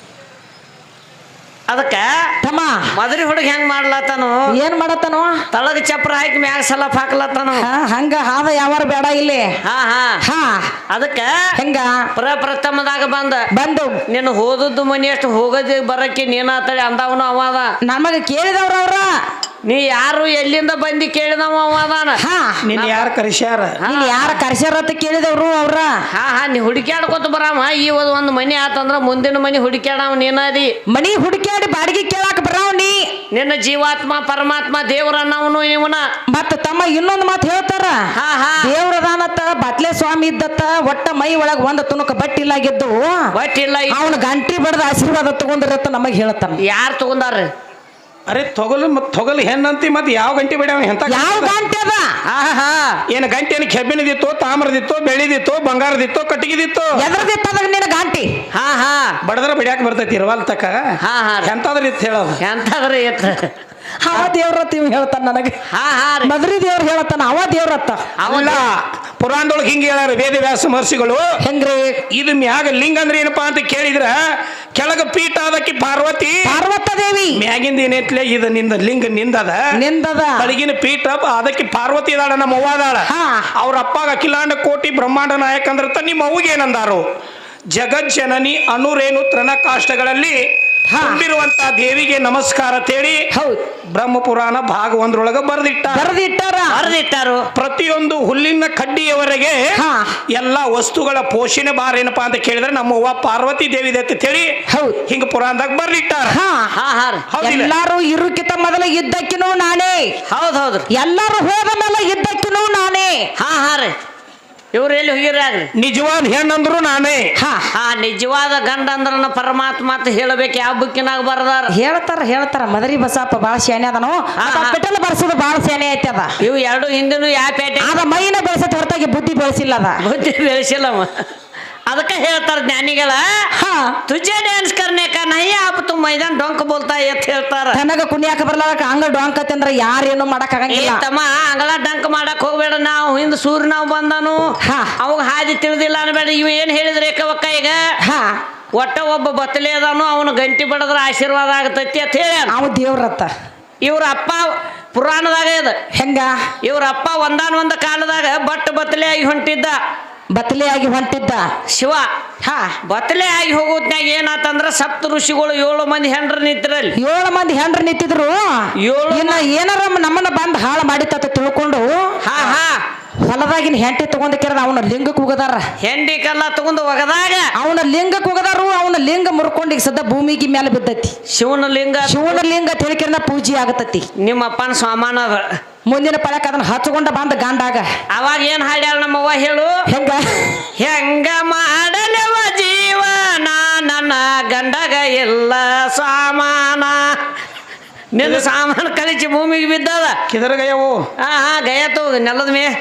[SPEAKER 2] ಅದಕ್ಕ
[SPEAKER 1] ತಮ್ಮ
[SPEAKER 2] ಮದ್ರಿ ಹುಡುಗ ಹೆಂಗ್ ಮಾಡ್ಲತ್ತಾನು
[SPEAKER 1] ಏನ್ ಮಾಡತ್ತನೋ
[SPEAKER 2] ತಳಗ ಚಪ್ರ ಹಾಕಿ ಮ್ಯಾಗ ಸಲಾಪ್ ಹಾಕ್ಲತ್ತಾನು
[SPEAKER 1] ಹಾ ಹಂಗ ಹಾದ ಯಾವಾರ ಬೇಡ ಇಲ್ಲಿ
[SPEAKER 2] ಹಾ ಹಾ
[SPEAKER 1] ಹಾ
[SPEAKER 2] ಅದಕ್ಕ
[SPEAKER 1] ಹೆಂಗ
[SPEAKER 2] ಪ್ರಪ್ರಥಮದಾಗ ಬಂದ
[SPEAKER 1] ಬಂದು
[SPEAKER 2] ನೀನು ಹೋದದ್ದು ಮನಿ ಅಷ್ಟು ಹೋಗದೆ ಬರಕ್ಕೆ ನೀನಾತಳಿ ಅಂದವನು ಅವ ಅದ
[SPEAKER 1] ನಮಗ ಕೇಳಿದವ್ರ ಅವ್ರ
[SPEAKER 2] ನೀ ಯಾರು ಎಲ್ಲಿಂದ ಬಂದಿ ಕೇಳಿದವ ಅವ ಅದಾನ
[SPEAKER 1] ಹಾ
[SPEAKER 3] ನಿನ್ ಯಾರು ಕರೆಸ್ಯಾರ
[SPEAKER 1] ನೀನ್ ಯಾರ ಕರ್ಸ್ಯಾರ ಅಂತ ಕೇಳಿದವ್ರು ಅವ್ರ
[SPEAKER 2] ಹಾ ಹಾ ನೀ ಹುಡುಕ್ಯಾಡ್ಕೊತ ಬರಾಮ ಈ ಒಂದ್ ಒಂದು ಮನಿ ಆತಂದ್ರ ಮುಂದಿನ ಮನಿ ಹುಡುಕ್ಯಾಡವ ನೀನದಿ
[SPEAKER 1] ಮನಿ ಹುಡುಕ್ಯಾಡಿ ಬಾಡಿಗೆ ಕೇಳಾಕ ಬರಾವ್ ನೀ
[SPEAKER 2] ನಿನ್ನ ಜೀವಾತ್ಮ ಪರಮಾತ್ಮ ದೇವರನ್ನವನು ಇವನ
[SPEAKER 1] ಮತ್ತ ತಮ್ಮ ಇನ್ನೊಂದ್ ಮಾತು ಹೇಳ್ತಾರ
[SPEAKER 2] ಹಾ ಹಾ
[SPEAKER 1] ದೇವ್ರದಾನತ್ತ ಬತ್ಲೆ ಸ್ವಾಮಿ ಇದ್ದತ್ತ ಒಟ್ಟ ಮೈ ಒಳಗ ಒಂದ್ ತುಣುಕ ಬಟ್ಟಿಲ್ಲಾಗಿದ್ದು
[SPEAKER 2] ಒಟ್ಟಿಲ್ಲ
[SPEAKER 1] ಅವನ ಗಂಟಿ ಬಡ್ದ ಆಶೀರ್ವಾದ ತಗೊಂಡಿರತ್ತ ನಮಗ್ ಹೇಳ್ತಾನ
[SPEAKER 2] ಯಾರು ತಗೊಂಡಾರ
[SPEAKER 3] ಅರೆ ತೊಗಲು ಮತ್ ತೊಗಲು ಹೆಣ್ಣಂತಿ ಮತ್ ಯಾವ ಗಂಟೆ ಬೇಡ ಎಂತ
[SPEAKER 1] ಯಾವ ಗಂಟೆ ಅದ
[SPEAKER 2] ಹಾ ಹಾ
[SPEAKER 3] ಏನ್ ಗಂಟೆ ಏನು ಕೆಬ್ಬಿನದಿತ್ತು ತಾಮ್ರದಿತ್ತು ಬೆಳ್ಳಿದಿತ್ತು ಬಂಗಾರದಿತ್ತು ಕಟ್ಟಿಗೆದಿತ್ತು
[SPEAKER 1] ಎದ್ರದಿತ್ತದಾಗ ನಿನ್ನ ಗಂಟಿ
[SPEAKER 2] ಹಾ ಹಾ
[SPEAKER 3] ಬಡದ್ರ ಬಿಡ್ಯಾಕ ಬರ್ತೈತಿ ಇರವಲ್ ತಕ
[SPEAKER 2] ಹಾ ಹಾ
[SPEAKER 3] ಎಂತಾದ್ರ ಇತ್ತು ಹೇಳೋದು
[SPEAKER 2] ಎಂತದ್ರಿ ಎತ್ತ
[SPEAKER 1] ಅವ ದೇವ್ರತ್ತ ಇವ್ ಹೇಳ್ತಾನ ನನಗೆ
[SPEAKER 2] ಹಾ ಹಾ ರೀ
[SPEAKER 1] ಮದ್ರಿ ದೇವ್ರ ಹೇಳ್ತಾನ ಅವ ದೇವ್ರತ್ತ
[SPEAKER 3] ಅಲ್ಲ ಪುರಾಣದೊಳಗೆ ಹಿಂಗೆ ಹೇಳ್ಯಾರ ವೇದವ್ಯಾಸ ಮಹರ್ಷಿಗಳು
[SPEAKER 1] ಹೆಂಗ್ರಿ
[SPEAKER 3] ಇದು ಮ್ಯಾಗ ಲಿಂಗ ಅಂದ್ರೆ ಏನಪ್ಪಾ ಅಂತ ಕೇಳಿದ್ರ ಕೆಳಗ ಪೀಠ ಅದಕ್ಕೆ ಪಾರ್ವತಿ
[SPEAKER 1] ಪಾರ್ವತ ದೇವಿ
[SPEAKER 3] ಮ್ಯಾಗಿಂದ ಏನೈತ್ಲೆ ಇದು ನಿಂದ ಲಿಂಗ ನಿಂದದ
[SPEAKER 1] ನಿಂದದ
[SPEAKER 3] ತಳಗಿನ ಪೀಠ ಅದಕ್ಕೆ ಪಾರ್ವತಿ ಇದಾಳ ನಮ್ಮ ಅವ್ವ ಅದಾಳ
[SPEAKER 1] ಹಾ.
[SPEAKER 3] ಅವ್ರ ಅಪ್ಪಾಗ ಅಖಿಲಾಂಡ ಕೋಟಿ ಬ್ರಹ್ಮಾಂಡ ನಾಯಕ ಅಂದ್ರತ ನಿಮ್ಮ ಅವ್ಗೆ ಏನಂದಾರು ಜಗಜ್ಜನನಿ ಅನುರೇನು ತೃಣ ಕಾಷ್ಟಗಳಲ್ಲಿ
[SPEAKER 1] ಹಾ.
[SPEAKER 3] ತುಂಬಿರುವಂತ ದೇವಿಗೆ ನಮಸ್ಕಾರ ತೇಳಿ
[SPEAKER 1] ಹೌದ್
[SPEAKER 3] ಬ್ರಹ್ಮ ಪುರಾಣ ಭಾಗ ಒಂದ್ರೊಳಗ ಬರೆದಿಟ್ಟ
[SPEAKER 1] ಬರೆದಿಟ್ಟಾರ
[SPEAKER 2] ಬರೆದಿಟ್ಟಾರು
[SPEAKER 3] ಪ್ರತಿಯೊಂದು ಹುಲ್ಲಿನ ಕಡ್ಡಿಯವರೆಗೆ
[SPEAKER 1] ಹಾ.
[SPEAKER 3] ಎಲ್ಲಾ ವಸ್ತುಗಳ ಪೋಷಣೆ ಬಾರ ಏನಪ್ಪಾ ಅಂತ ಕೇಳಿದ್ರೆ ನಮ್ಮ ಅವ್ವ ಪಾರ್ವತಿ ದೇವಿ ಅಂತ ಹೇಳಿ
[SPEAKER 1] ಹೌದ್
[SPEAKER 3] ಹಿಂಗ ಪುರಾಣದಾಗ ಬರ್ಲಿಟ್ಟಾರ
[SPEAKER 1] ಹಾ
[SPEAKER 2] ಹಾ ಹಾ ರೀ
[SPEAKER 3] ಹೌದಿಲ್ಲ
[SPEAKER 1] ಎಲ್ಲಾರು ಇರುಕಿತ ಮೊದಲ ಇದ್ದಕ್ಕಿನೂ ನಾನೇ
[SPEAKER 2] ಹೌದ್ ಹೌದ್ರಿ
[SPEAKER 1] ಎಲ್ಲಾರು ಹೋದ ಮೇಲೆ ಇದ್ದಕ್ಕಿನೂ ನಾನೇ
[SPEAKER 2] ಹಾ ಹಾ ರೀ ಇವ್ರು ಎಲ್ಲಿ ಹೋಗಿರ್ರಿ
[SPEAKER 3] ನಿಜವಾದ ಹೆಣ್ಣಂದ್ರು ನಾನೇ.
[SPEAKER 1] ಹಾ
[SPEAKER 2] ಆ ನಿಜವಾದ ಗಂಡ ಅಂದ್ರನ ಪರಮಾತ್ಮ ಅಂತ ಹೇಳಬೇಕು. ಯಾವ ಬುಕ್ಕಿನಾಗ ಬರದಾರ
[SPEAKER 1] ಹೇಳ್ತಾರ ಹೇಳ್ತಾರ ಮದರಿ ಬಸಪ್ಪ ಬಾಳ ಶಾನೆ ಅದನು ಪೆಟ್ರೋಲ್ ಬರ್ಸೋದು ಬಾಳ ಶಾನೆ ಐತಿ ಅದ.
[SPEAKER 2] ಇವು ಎರಡು ಹಿಂದಿನ ಯಾವ ಪೇಟೆ
[SPEAKER 1] ಅದ ಮೈನ ಬೆಳೆಸತ್ ಹೊರತಾಗಿ ಬುದ್ಧಿ ಬೆಳೆಸಿಲ್ಲ ಅದ.
[SPEAKER 2] ಬುದ್ಧಿ ಬೆಳೆಸಿಲ್ಲಮ್ಮ. ಅದಕ್ಕೆ ಹೇಳ್ತಾರ ಜ್ಞಾನಿಗಳ
[SPEAKER 1] ಹಾ
[SPEAKER 2] ತುಜೆ ಡ್ಯಾನ್ಸ್ ಕರ್ನೆ ಕಾ ನಹಿ ಆಪ್ ತು ಮೈದಾನ್ ಡೊಂಕ್ ಬೋಲ್ತಾ ಅಂತ ಹೇಳ್ತಾರ.
[SPEAKER 1] ತನಗ ಕುಣಿಯಾಕ ಬರ್ಲಾಕ ಹಂಗ ಡೊಂಕತಿ ಅಂದ್ರ ಯಾರೇನು ಮಾಡಕ್
[SPEAKER 2] ಏ
[SPEAKER 1] ಆಗಂಗಿಲ್ಲ.
[SPEAKER 2] ತಮ್ಮ ಅಂಗಳ ಡಂಕ್ ಮಾಡಕ್ ಹೋಗ್ಬೇಡ. ನಾವು ಹಿಂದ್ ಸೂರ್ಯ ನಾವು ಬಂದಾನು
[SPEAKER 1] ಹಾ.
[SPEAKER 2] ಅವಾಗ ಹಾದಿ ತಿಳಿದಿಲ್ಲ ಅನ್ಬೇಡ. ಇವ ಏನ್ ಹೇಳಿದ್ರೆ ಏಕವಕ್ಕ ಈಗ
[SPEAKER 1] ಹಾ
[SPEAKER 2] ಒಟ್ಟ ಒಬ್ಬ ಬತ್ತಲೆ ಅದಾನು ಅವನು ಗಂಟಿ ಬಡದ್ರ ಆಶೀರ್ವಾದ ಆಗತೈತಿ ಅಂತ ಹೇಳ.
[SPEAKER 1] ಅವ ದೇವ್ರತ್ತ
[SPEAKER 2] ಇವ್ರ ಅಪ್ಪ ಪುರಾಣದಾಗ ಇದೆ.
[SPEAKER 1] ಹೆಂಗ
[SPEAKER 2] ಇವ್ರ ಅಪ್ಪ ಒಂದಾನ ಒಂದ ಕಾಲದಾಗ ಬಟ್ ಬತ್ತಲೆ ಆಗಿ ಹೊಂಟಿದ್ದ.
[SPEAKER 1] ಬತ್ತಲೆ ಆಗಿ ಹೊಂಟಿದ್ದ
[SPEAKER 2] ಶಿವ
[SPEAKER 1] ಹಾ
[SPEAKER 2] ಬತ್ತಲೆ ಆಗಿ ಹೋಗೋದ್ನಾಗ ಏನಾತಂದ್ರ ಸಪ್ತ ಋಷಿಗಳು ಏಳು ಮಂದಿ ಹೆಂಡ್ರ ನಿಂತಿರಲ್ಲಿ.
[SPEAKER 1] ಏಳು ಮಂದಿ ಹೆಂಡ್ರ ನಿಂತಿದ್ರು.
[SPEAKER 2] ಏಳು
[SPEAKER 1] ಇನ್ನ ಏನಾರ ನಮ್ಮನ್ನ ಬಂದ್ ಹಾಳು ಮಾಡಿತ್ತ ತಿಳ್ಕೊಂಡು
[SPEAKER 2] ಹಾ ಹಾ
[SPEAKER 1] ಹೊಲದಾಗಿನ ಹೆಂಟಿ ತಗೊಂಡ್ ಕೇರದ ಅವನ ಲಿಂಗಕ್ಕೆ ಹೋಗದಾರ.
[SPEAKER 2] ಹೆಂಡಿ ಕಲ್ಲ ತಗೊಂಡು ಒಗದಾಗ
[SPEAKER 1] ಅವನ ಲಿಂಗಕ್ಕೆ ಹೋಗದಾರು. ಅವನ ಲಿಂಗ ಮುರ್ಕೊಂಡು ಈಗ ಸದ್ದ ಭೂಮಿಗೆ ಮೇಲೆ ಬಿದ್ದೈತಿ.
[SPEAKER 2] ಶಿವನ ಲಿಂಗ
[SPEAKER 1] ಶಿವನ ಲಿಂಗ ತಿಳ್ಕಿರ ಪೂಜೆ ಆಗತೈತಿ.
[SPEAKER 2] ನಿಮ್ಮ ಅಪ್ಪನ ಸಾಮಾನ ಅದ.
[SPEAKER 1] ಮುಂದಿನ ಪಳಕ ಅದನ್ನ ಹಚ್ಕೊಂಡ ಬಂದ ಗಂಡಾಗ
[SPEAKER 2] ಅವಾಗ ಏನ್ ಹಾಡ್ಯಾಳ ನಮ್ಮವ್ವ ಹೇಳು.
[SPEAKER 1] ಹೆಂಗ
[SPEAKER 2] ಹೆಂಗ ಮಾಡಲವ ಜೀವನ ನನ್ನ ಗಂಡಗ ಎಲ್ಲ ಸಾಮಾನ. ನಿನ್ನ ಸಾಮಾನು ಕಲಿಸಿ ಭೂಮಿಗೆ ಬಿದ್ದದ.
[SPEAKER 3] ಕಿದರಗಯವು
[SPEAKER 2] ಹಾ ಹಾ ಗಯತು ನೆಲದ ಮೇ.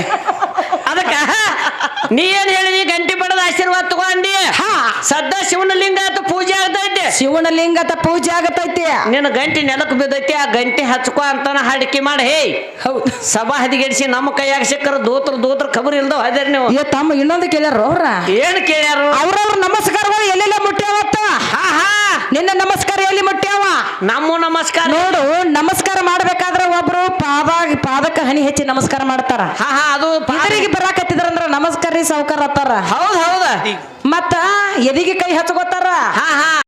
[SPEAKER 2] ಅದಕ್ಕ ನೀ ಏನ್ ಹೇಳಿದಿ ಗಂಟಿ ಬಡದ ಆಶೀರ್ವಾದ ತಗೊಂಡಿ.
[SPEAKER 1] ಹಾ
[SPEAKER 2] ಸದ್ದ ಶಿವನ ಲಿಂಗ ಆತ ಪೂಜೆ ಆಗ್ತೈತಿ.
[SPEAKER 1] ಶಿವನ ಲಿಂಗದ ಪೂಜೆ ಆಗತೈತಿ.
[SPEAKER 2] ನಿನ್ನ ಗಂಟಿ ನೆಲಕ್ಕೆ ಬಿದ್ದೈತಿ. ಆ ಗಂಟಿ ಹಚ್ಕೊ ಅಂತಾನ ಹಾಡಿಕೆ ಮಾಡಿ. ಹೇ
[SPEAKER 1] ಹೌದು
[SPEAKER 2] ಸಭಾ ಹದಿಗೆಡಿಸಿ ನಮ್ಮ ಕೈಯಾಗ ಸಿಕ್ಕರ ದೋತ್ರ ದೋತ್ರ ಖಬರ್ ಇಲ್ದವ ಅದೇರಿ ನೀವು.
[SPEAKER 1] ಏ ತಮ್ಮ ಇನ್ನೊಂದು ಕೇಳ್ಯಾರ ಅವ್ರ
[SPEAKER 2] ಏನ್ ಕೇಳ್ಯಾರು.
[SPEAKER 1] ಅವ್ರವ್ರ ನಮಸ್ಕಾರಗಳು ಎಲ್ಲೆಲ್ಲ ಮುಟ್ಟ್ಯಾವತ್ತ.
[SPEAKER 2] ಹಾ ಹಾ
[SPEAKER 1] ನಿನ್ನ ನಮಸ್ಕಾರ ಎಲ್ಲಿ ಮುಟ್ಟ್ಯಾವ
[SPEAKER 2] ನಮ್ಮ ನಮಸ್ಕಾರ
[SPEAKER 1] ನೋಡು. ನಮಸ್ಕಾರ ಮಾಡ್ಬೇಕಾದ್ರ ಒಬ್ರು ಪಾದ ಪಾದಕ್ಕೆ ಹನಿ ಹೆಚ್ಚಿ ನಮಸ್ಕಾರ ಮಾಡ್ತಾರ.
[SPEAKER 2] ಹಾ ಹಾ ಅದು
[SPEAKER 1] ಎದುರಿಗೆ ಬರಾಕತ್ತಿದ್ರಂದ್ರ ನಮಸ್ಕಾರ ರೀ ಸಾವ್ಕಾರ ಅತ್ತಾರ.
[SPEAKER 2] ಹೌದ್ ಹೌದ
[SPEAKER 1] ಮತ್ತ ಎದಿಗೆ ಕೈ ಹಚ್ಕೋತಾರ.
[SPEAKER 2] ಹಾ ಹಾ